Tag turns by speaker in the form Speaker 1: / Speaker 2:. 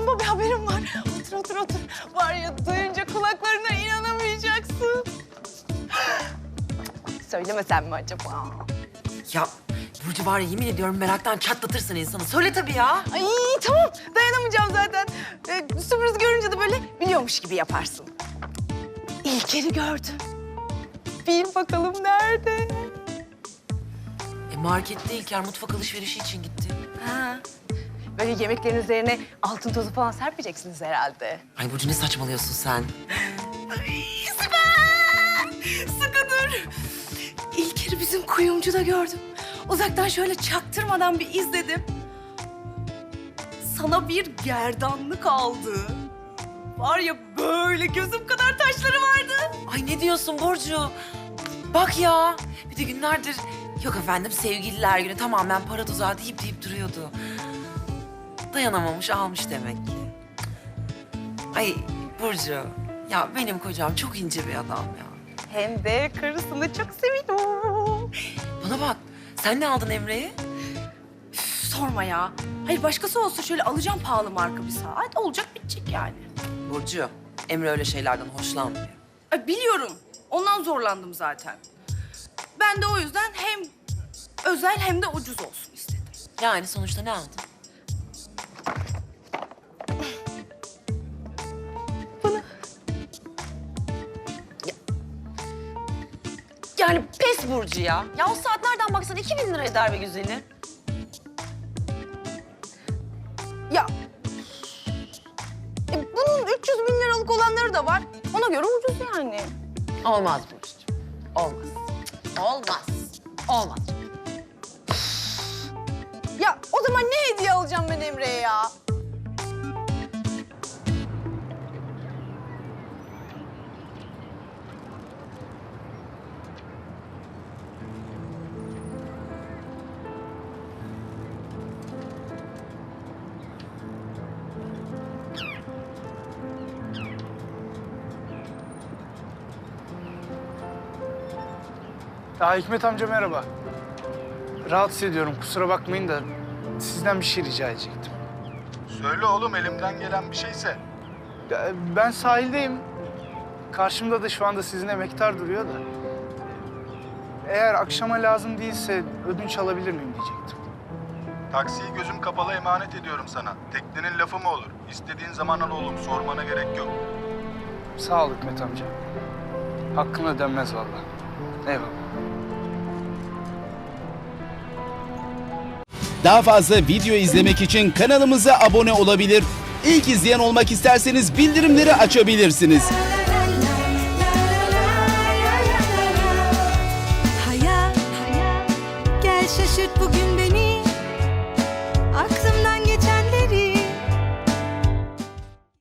Speaker 1: bomba bir haberim var. Otur otur otur. Var ya duyunca kulaklarına inanamayacaksın. Söylemesem mi acaba?
Speaker 2: Ya Burcu var ya yemin ediyorum meraktan çatlatırsın insanı. Söyle tabii ya.
Speaker 1: Ay tamam dayanamayacağım zaten. Sürpriz görünce de böyle biliyormuş gibi yaparsın. İlker'i gördüm. Bil bakalım nerede?
Speaker 2: Markette İlker mutfak alışverişi için gitti.
Speaker 1: Ha. Böyle yemeklerin üzerine altın tozu falan serpeceksiniz herhalde.
Speaker 2: Ay Burcu ne saçmalıyorsun sen?
Speaker 1: Ay süper! Sıkı dur. İlker'i bizim kuyumcuda gördüm. Uzaktan şöyle çaktırmadan bir izledim. Sana bir gerdanlık aldı. Var ya böyle gözüm kadar taşları vardı.
Speaker 2: Ay ne diyorsun Burcu? Bak ya. Bir de günlerdir yok efendim sevgililer günü tamamen para tuzağı deyip duruyordu. Dayanamamış almış demek ki. Ay Burcu ya benim kocam çok ince bir adam ya.
Speaker 1: Hem de karısını çok seviyor.
Speaker 2: Bana bak sen ne aldın Emre'ye?
Speaker 1: Üf, sorma ya. Hayır başkası olsa şöyle alacağım pahalı marka bir saat. Olacak bitecek yani.
Speaker 2: Burcu Emre öyle şeylerden hoşlanmıyor.
Speaker 1: Ay, biliyorum. Ondan zorlandım zaten. Ben de o yüzden hem özel hem de ucuz olsun istedim.
Speaker 2: Yani sonuçta ne aldın? Yani pes Burcu ya. Ya o saat nereden baksan 2000 lira eder be güzeli.
Speaker 1: Ya bunun 300 bin liralık olanları da var. Ona göre ucuz yani.
Speaker 2: Olmaz Burcucuğum. Olmaz. Olmaz. Olmaz.
Speaker 1: Ya o zaman ne hediye alacağım ben Emre'ye ya?
Speaker 3: Ya Hikmet amca merhaba. Rahatsız ediyorum kusura bakmayın da sizden bir şey rica edecektim.
Speaker 4: Söyle oğlum elimden gelen bir şeyse.
Speaker 3: Ya, ben sahildeyim. Karşımda da şu anda sizin emektar duruyor da. Eğer akşama lazım değilse ödünç alabilir miyim diyecektim.
Speaker 4: Taksiyi gözüm kapalı emanet ediyorum sana. Teknenin lafı mı olur? İstediğin zaman al oğlum, sormana gerek yok.
Speaker 3: Sağ ol Hikmet amca. Hakkın ödenmez vallahi. Eyvallah.
Speaker 5: Daha fazla video izlemek için kanalımıza abone olabilir. İlk izleyen olmak isterseniz bildirimleri açabilirsiniz.
Speaker 6: Hayat, gel şaşırt bugün beni. Aklımdan